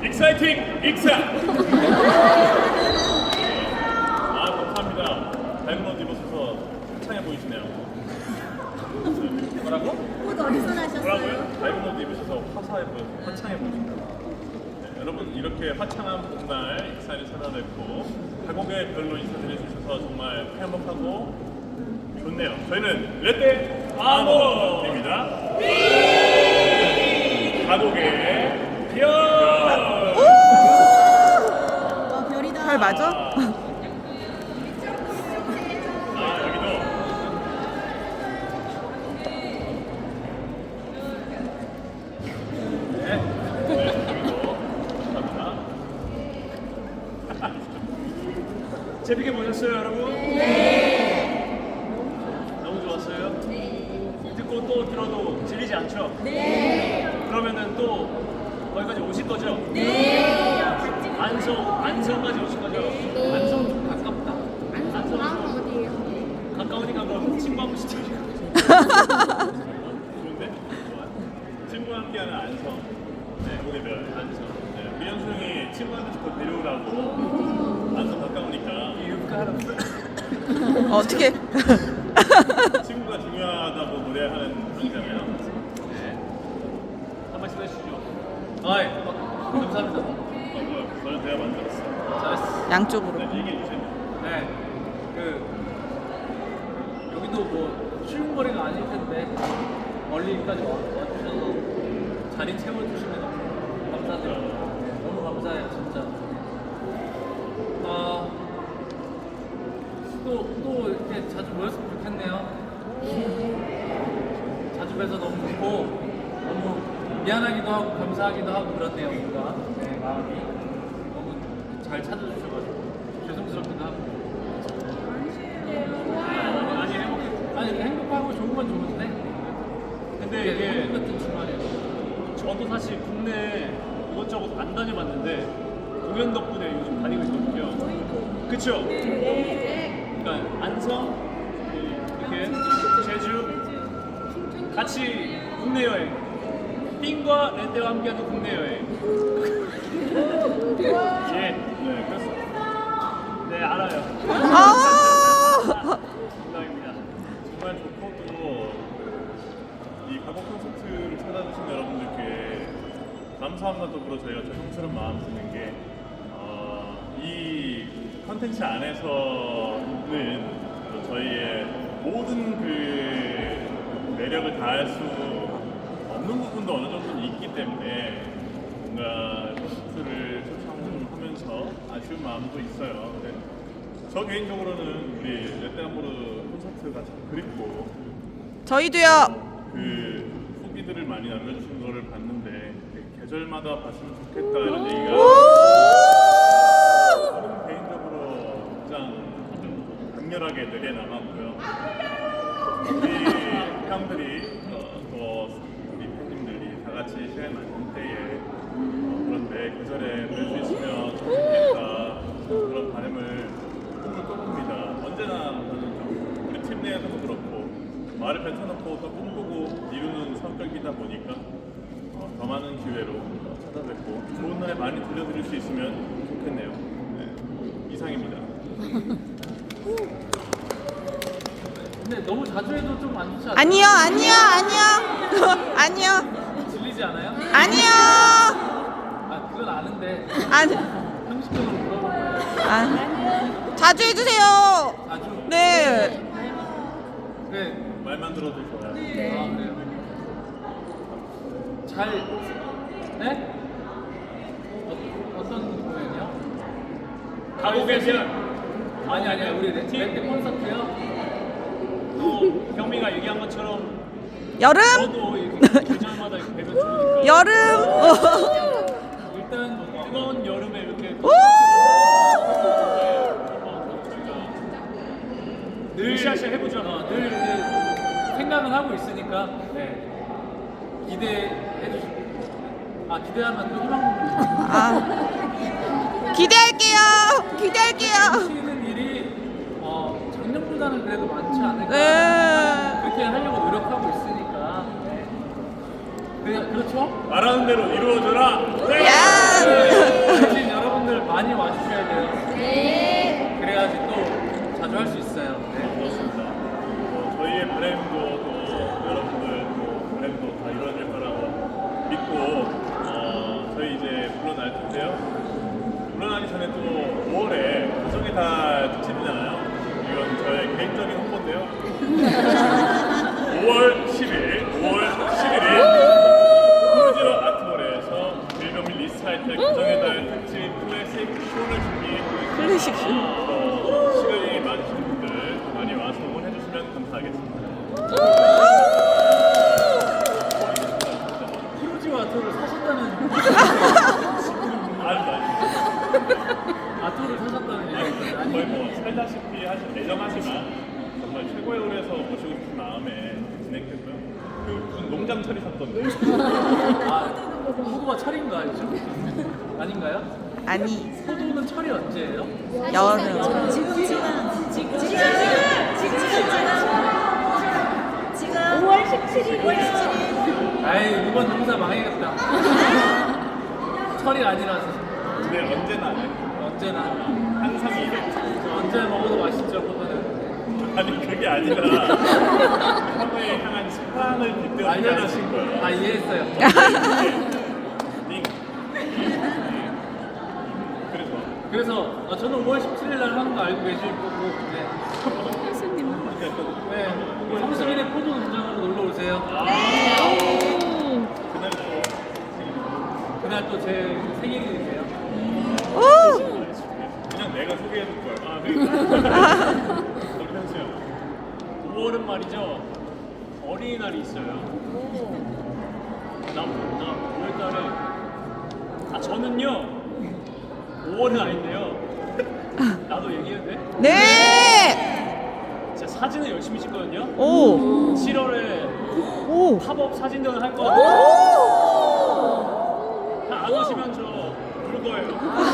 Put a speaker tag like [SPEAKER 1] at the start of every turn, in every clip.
[SPEAKER 1] 익사이팅 익사. 감사합니다. 밝은 옷 입으셔서 창해 보이시네요. 뭐라고?
[SPEAKER 2] 옷 어디서 나셨어요?
[SPEAKER 1] 뭐라고요? 밝은 옷 입으셔서 화창해 보이십니다. 네, 여러분 이렇게 화창한 봄날 익사를 찾아뵙고 가곡의 별로 인사드려 주셔서 정말 행복하고 좋네요. 저희는 렛대 아몬입니다. 가곡의 별.
[SPEAKER 2] 별이다.
[SPEAKER 3] 잘 맞아?
[SPEAKER 1] 여기도 여기도 감사합니다.
[SPEAKER 4] 재밌게 보셨어요, 여러분? 네. 너무 좋았어요? 네. 듣고 또 들어도 질리지 않죠? 네. 그러면은 또 거기까지 오실 거죠? 네. 안성까지 오실 거죠? 네. 안성 좀 가깝다. 안성
[SPEAKER 2] 어디예요?
[SPEAKER 4] 가까우니까 그럼 친구 한 번씩 드리고.
[SPEAKER 1] 좋은데? 좋아. 친구와 함께하는 안성. 네, 오늘 별 안성. 네, 미연수 형이 친구한테 자꾸 데려오라고. 안성 가까우니까.
[SPEAKER 3] 어떻게?
[SPEAKER 1] 친구가 중요하다고 노래하는 분이잖아요.
[SPEAKER 4] 네. 한 말씀 해주시죠. 아이, 감사합니다.
[SPEAKER 1] 뭐야? 저는 제가 만들었어.
[SPEAKER 4] 잘했어.
[SPEAKER 3] 양쪽으로.
[SPEAKER 1] 네, 얘기해 주세요.
[SPEAKER 4] 네. 여기도 뭐 쉬운 거리가 아닐 텐데 멀리까지 와주셔서 자리 채워주시면 너무 감사드립니다. 너무 감사해요, 진짜. 또 이렇게 자주 모였으면 좋겠네요. 자주 뵈서 너무 좋고 너무 미안하기도 하고 감사하기도 하고 그렇네요, 뭔가. 네, 마음이 너무 잘 찾아주셔가지고 죄송스럽기도 하고. 아니 행복하고 좋은 건 좋은데 근데 이게 같은 주말이에요. 저도 사실 국내 이것저것 안 다녀봤는데 공연 덕분에 요즘 다니고 있거든요. 그쵸? 그러니까 안성 이렇게 제주 같이 국내 여행 띵과 렌데와 함께하는 국내 여행 예, 네, 그렇습니다. 네, 알아요. 감사합니다.
[SPEAKER 1] 정말 좋고 또 이 가곡 콘서트를 찾아주신 여러분들께 감사함과 더불어 저희가 죄송스러운 마음 드는 게 이 컨텐츠 안에서는 또 저희의 모든 그 매력을 다할 수 없는 부분도 어느 정도는 있기 때문에 뭔가 콘서트를 초청하면서 아쉬운 마음도 있어요. 근데 저 개인적으로는 우리 렛데아모르 콘서트가 참 그립고
[SPEAKER 3] 저희도요.
[SPEAKER 1] 그 후기들을 많이 남겨주신 거를 봤는데 계절마다 봤으면 좋겠다 이런 얘기가 저는 개인적으로 가장 강렬하게 내려남았고요. 우리 형들이 또 우리 팬님들이 다 같이 시간 맞는 때에 그런데 계절에 뵐 수 있으면 좋겠다 그런 바람을 꿈을 꿔봅니다. 언제나 우리 팀 내에서도 그렇고 말을 뱉어놓고 또 꿈꾸고 이루는 성격이다 보니까 더 많은 기회로 찾아뵙고 좋은 날에 많이 들려드릴 수 있으면 좋겠네요. 네, 이상입니다.
[SPEAKER 4] 근데 너무 자주 해도 좀 안 좋지 않아요?
[SPEAKER 3] 아니요. 아니요.
[SPEAKER 4] 질리지 않아요?
[SPEAKER 3] 아니요.
[SPEAKER 4] 아 그건 아는데
[SPEAKER 3] 아니.
[SPEAKER 4] 형식적으로 물어본 거예요.
[SPEAKER 3] 자주 해주세요.
[SPEAKER 4] 자주?
[SPEAKER 3] 네.
[SPEAKER 4] 그래.
[SPEAKER 1] 말만 들어도 좋아요.
[SPEAKER 4] 아 그래요. 잘 네? 어떤 공연이요? 가곡의 별. 아니 우리 렛데 콘서트요. 또 경미가 얘기한 것처럼
[SPEAKER 3] 여름.
[SPEAKER 4] 저도 이렇게 계절마다 이렇게 뵈면 좋으니까
[SPEAKER 3] 여름.
[SPEAKER 4] 일단 뭐 뜨거운 여름에 이렇게 늘 샤샤 해보잖아. 늘 이렇게 생각은 하고 있으니까 네. 기대해 주시고 기대하면 또 희망
[SPEAKER 3] 기대할게요.
[SPEAKER 4] 하시는 일이 작년보다는 그래도 많지 않을까.
[SPEAKER 3] 네.
[SPEAKER 4] 그렇게 하려고 노력하고 있으니까. 네. 그렇죠?
[SPEAKER 1] 말하는 대로 이루어져라. 네.
[SPEAKER 3] 야.
[SPEAKER 4] 대신 여러분들 많이 와주셔야 돼요. 네. 그래야지 또 자주 할 수 있어요. 네.
[SPEAKER 1] 그렇습니다. 저희의 바램도 또 여러분들 또 바램도 다 이루어질 거라고 믿고 저희 이제 물러날 텐데요. 물러나기 전에 또 5월에 가정의 달 특집이잖아요. 이건 저의 개인적인 홍보인데요. 5월 10일 푸르지로 아트몰에서 빌더밀 리스타이틀 가정의 달 특집 클래식 쇼를 준비했고
[SPEAKER 3] 클래식 쇼.
[SPEAKER 1] 시간이 많으신 분들 많이 와서 응원해주시면 감사하겠습니다.
[SPEAKER 4] 프로지 아토를 사셨다는
[SPEAKER 1] 아닙니다.
[SPEAKER 4] 아토를 사셨다는 얘기
[SPEAKER 1] 거의 뭐 살다시피 애정하지만 정말 최고의 노래에서 모시고 싶은 마음에 진행했고요. 그 무슨 농장 철이 샀던데.
[SPEAKER 4] 아, 포도가 철인 거 알죠? 아닌가요?
[SPEAKER 3] 아니
[SPEAKER 4] 포도는 철이 언제예요?
[SPEAKER 3] 여름.
[SPEAKER 2] 지금 5월 17일이에요.
[SPEAKER 4] 아이 이번 농사 망해겠다. 철이 아니라서
[SPEAKER 1] 근데 언제나
[SPEAKER 4] 언제나
[SPEAKER 1] 항상 이래.
[SPEAKER 4] 언제 먹어도 맛있죠 포도는.
[SPEAKER 1] 아니 그게 아니라 형에 향한 사랑을 빗대어
[SPEAKER 4] 알려주신
[SPEAKER 1] 거예요.
[SPEAKER 4] 다 이해했어요.
[SPEAKER 1] 띵. 그래서
[SPEAKER 4] 그래서 저는 5월 17일 날 하는 거 알고 계실 거고 네.
[SPEAKER 1] 그러니까 또
[SPEAKER 4] 네. 성수민의 포도 농장으로 놀러 오세요.
[SPEAKER 1] 그날 또
[SPEAKER 4] 그날 또 제 생일이세요.
[SPEAKER 3] 오.
[SPEAKER 1] 그냥 내가 소개해줄 거야. 아 그러니까. 우리 현수야.
[SPEAKER 4] 5월은 말이죠. 어린이날이 있어요. 나 5월달에 저는요 5월은 아닌데요. 나도 얘기해도 돼?
[SPEAKER 3] 네.
[SPEAKER 4] 제가 사진을 열심히 찍거든요.
[SPEAKER 3] 오.
[SPEAKER 4] 7월에
[SPEAKER 3] 오.
[SPEAKER 4] 팝업 사진전을 할 거거든요. 다 안 오시면 저 부를 거예요.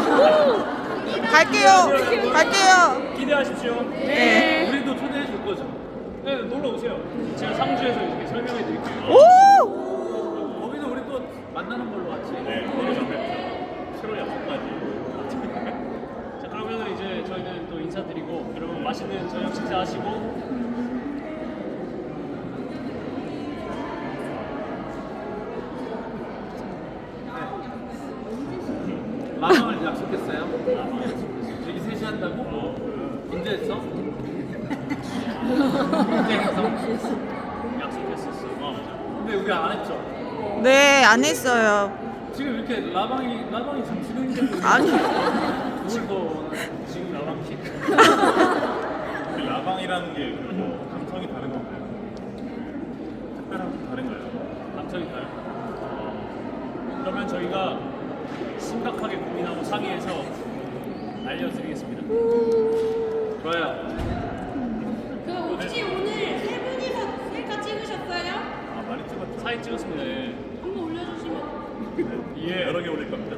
[SPEAKER 3] 갈게요.
[SPEAKER 4] 기대하십시오.
[SPEAKER 3] 네.
[SPEAKER 4] 우리도 초대해 줄 거죠. 네, 놀러 오세요. 제가 상주에서 이렇게 설명해 드릴게요.
[SPEAKER 3] 오.
[SPEAKER 4] 거기서 우리 또 만나는 걸로 같이.
[SPEAKER 1] 네, 거기서 뵙죠. 7월 약속까지.
[SPEAKER 4] 자, 그러면 이제 저희는 또 인사드리고 여러분 맛있는 저녁 식사하시고 라방을 약속했어요. 여기 셋이 한다고? 언제 했어? 언제 했어? 약속했었어. 근데 우리 안 했죠?
[SPEAKER 3] 네, 안 했어요.
[SPEAKER 4] 지금 이렇게 라방이 지금 진행되고
[SPEAKER 3] 아니.
[SPEAKER 4] 누굴 지금 라방 킥.
[SPEAKER 1] 그 라방이라는 게 뭐 감성이 다른 건가요? 특별한 다른가요?
[SPEAKER 4] 감성이 다른. 그러면 저희가 심각하게 고민하고 상의해서 알려드리겠습니다. 좋아요.
[SPEAKER 2] 그 혹시 오늘 세 분이서 셀카 찍으셨어요?
[SPEAKER 1] 아 많이 찍었죠?
[SPEAKER 4] 사진 찍었습니다. 예.
[SPEAKER 2] 한번 올려주시면.
[SPEAKER 1] 예, 여러 개 올릴 겁니다.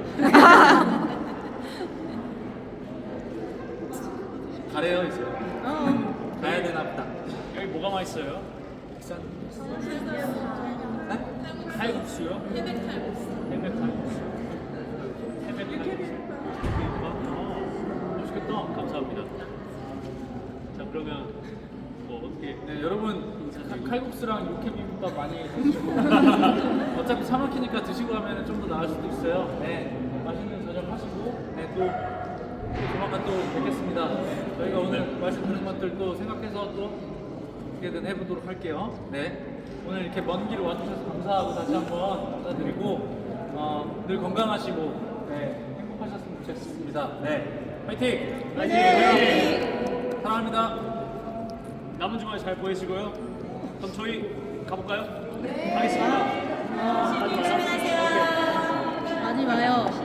[SPEAKER 4] 가래요 이제. 가야 되나 보다. 여기 뭐가 맛있어요? 국산. 칼국수요?
[SPEAKER 2] 해백 칼국수.
[SPEAKER 4] 해백 칼국수. 해백 칼국수. 맛있겠다. 감사합니다. 자 그러면 뭐 어떻게? 네 여러분 칼국수랑 육회 비빔밥 많이 드시고 어차피 차 막히니까 드시고 하면 좀 더 나을 수도 있어요. 네 맛있는 저녁 하시고 네또 조만간 또 뵙겠습니다. 네, 저희가 오늘 말씀드린 것들 또 생각해서 또 어떻게든 해보도록 할게요. 네 오늘 이렇게 먼 길 와주셔서 감사하고 다시 한번 감사드리고 늘 건강하시고 네, 행복하셨으면 좋겠습니다. 네 화이팅! 화이팅! 사랑합니다. 남은 주말 잘 보내시고요. 그럼 저희 가볼까요? 네. 가겠습니다.
[SPEAKER 2] 조심하세요. 많이 와요.